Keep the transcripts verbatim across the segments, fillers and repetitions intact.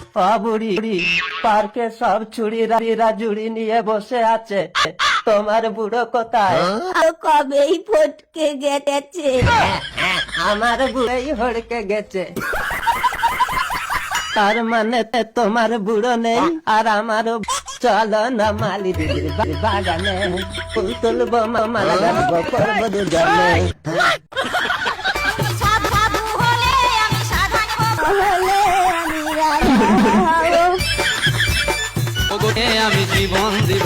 বুড়ি পার্কে সব ছুড়িরা জুড়ি নিয়ে বসে আছে, তোমার বুড়ো কোথায়? কবেই ফটকে গেছে। আমার বুড়োই হড়কে গেছে। তার মানে তোমার বুড়ো নেই আর আমারও। চলো না মালি দিদির বাগানে, ফুল তুলবো মালা গাছবো করবো দুজনে। আমি জীবন দিব।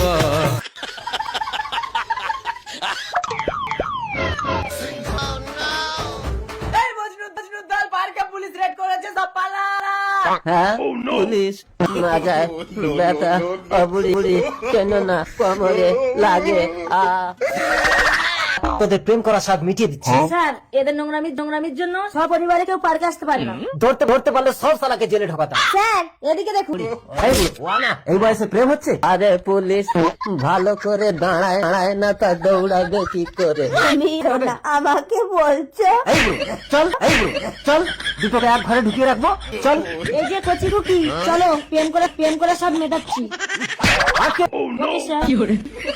হ্যাঁ পুলিশ না যায় বেটা, বুড়ি বুড়ি কেন না কোমরে লাগে। আ তোদের প্রেম করা স্বাদ মিটিয়ে দিচ্ছে। স্যার এদের নোংরামি নোংরামির জন্য সপরিবারে কেউ পার্কে আসতে পারে না। ধরতে ধরতে পারলে সব সালাকে জেলে ঢোকাতাম। স্যার এদিকে দেখুন। এই বয়সে প্রেম হচ্ছে? আরে পুলিশ ভালো করে দাঁড়ায় দাঁড়ায় না, তা দৌড়াবে কি করে? আমি না, আমাকে বলছো? এই বুড়ো, চল এই বুড়ো, চল দুটোকে এক ঘরে ঢুকিয়ে রাখবো, চল। এই যে কচি কুকি, চলো প্রেম করে প্রেম করে সব মেটাচ্ছি। Okay sir.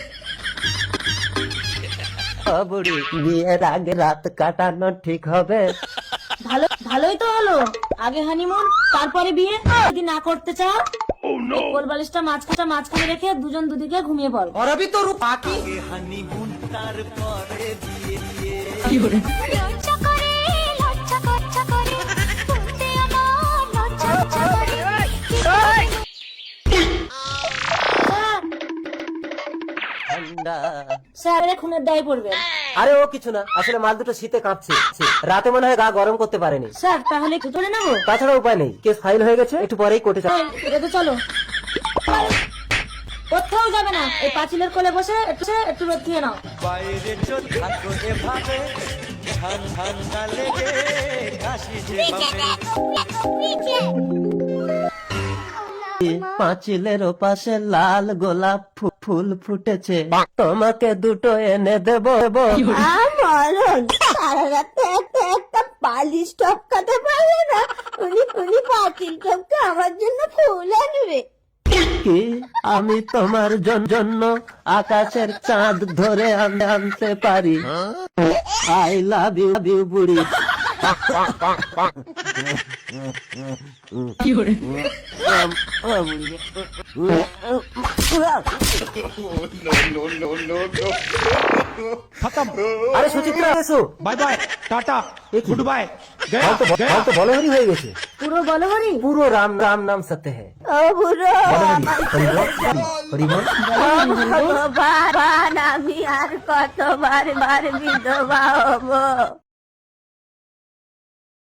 বুড়ি বিয়ের আগে রাত কাটানো ঠিক হবে? ভালো ভালোই তো হলো, আগে হানিমুন তারপরে বিয়ে। যদি না করতে চাও কোল বালিশটা মাঝখানে মাঝখানে রেখে দুজন দুদিকে ঘুমিয়ে পড়ো। और अभी तो रुक बाकी হানিমুন তারপরে বিয়ে। লজ্জা করে লজ্জা লজ্জা করে বলতে আমার লজ্জা লজ্জা করে। ঠান্ডা। স্যার এর খুনের দায় পড়বে। আরে ও কিছু না, আসলে মাল দুটো শীতে কাঁপছে, রাতে মনে হয় গা গরম করতে পারেনি। স্যার তাহলে ধরে নেবো? তাছাড়া উপায় নেই, কেস ফাইল হয়ে গেছে, একটু পরেই কোর্টে যাবে। এটা তো চলো, কোথাও যাবে না, এই পাঁচিলের কোলে বসে একটু একটু রোদ খেয়ে নাও। বাইরে চল থাকো এভাবে, ঠান ঠান্ডা লেগে কাশি যেভাবে। পাঁচিলের পাশে লাল গোলাপ ফু- ফুল ফুটেছে, তোমাকে দুটো এনে দেবো। মরণ সারা রাতে একটা একটা বালিশ টপকাতে পারবে না, উনি উনি পাঁচিল টপকে আমার জন্য ফুল আনবে। কি আমি তোমার জন- জন্য আকাশের চাঁদ ধরে আন- আনতে পারি? আই লাভ ইউ ইউ বুড়ি। আরে সুচিত্রা এসো। Bye bye tata goodbye. হাল তো হাল তো বলহরি হয়ে গেছে, পুরো বলো হরি। পুরো রাম রাম নাম সত্য है। ও বুড়ো হরি বল। ভগবান, আমি আর কতবার বার বিধবা হবো?